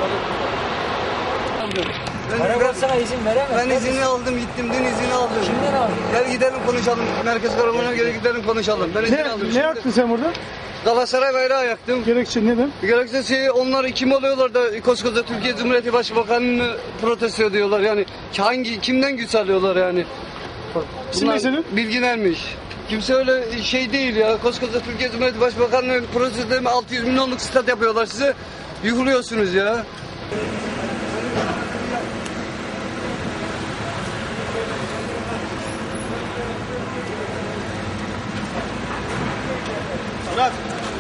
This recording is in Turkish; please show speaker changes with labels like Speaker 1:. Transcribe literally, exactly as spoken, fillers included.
Speaker 1: Arabasına izin veremez.
Speaker 2: Ben izini aldım gittim dün izini aldım.
Speaker 1: Kimden aldın?
Speaker 2: Gel gidelim konuşalım. Merkez Karaman'a göre gidelim konuşalım. Ben izin
Speaker 3: Ne,
Speaker 2: aldım.
Speaker 3: ne
Speaker 2: Şimdi
Speaker 3: yaptın sen burada?
Speaker 2: Galatasaray bayrağı yaktım.
Speaker 3: Gerekçe neden?
Speaker 2: Gerekçesi onlar kim oluyorlar da koskoca Türkiye Cumhuriyeti Başbakanı'nı protesto ediyorlar yani. Hangi kimden güç alıyorlar yani?
Speaker 3: İsim ne senin?
Speaker 2: Bilgilenmiş. Kimse öyle şey değil ya. Koskoca Türkiye Cumhuriyeti Başbakanı'nı protesto edip altı yüz milyonluk stat yapıyorlar size. Yıkılıyorsunuz ya.
Speaker 3: Murat.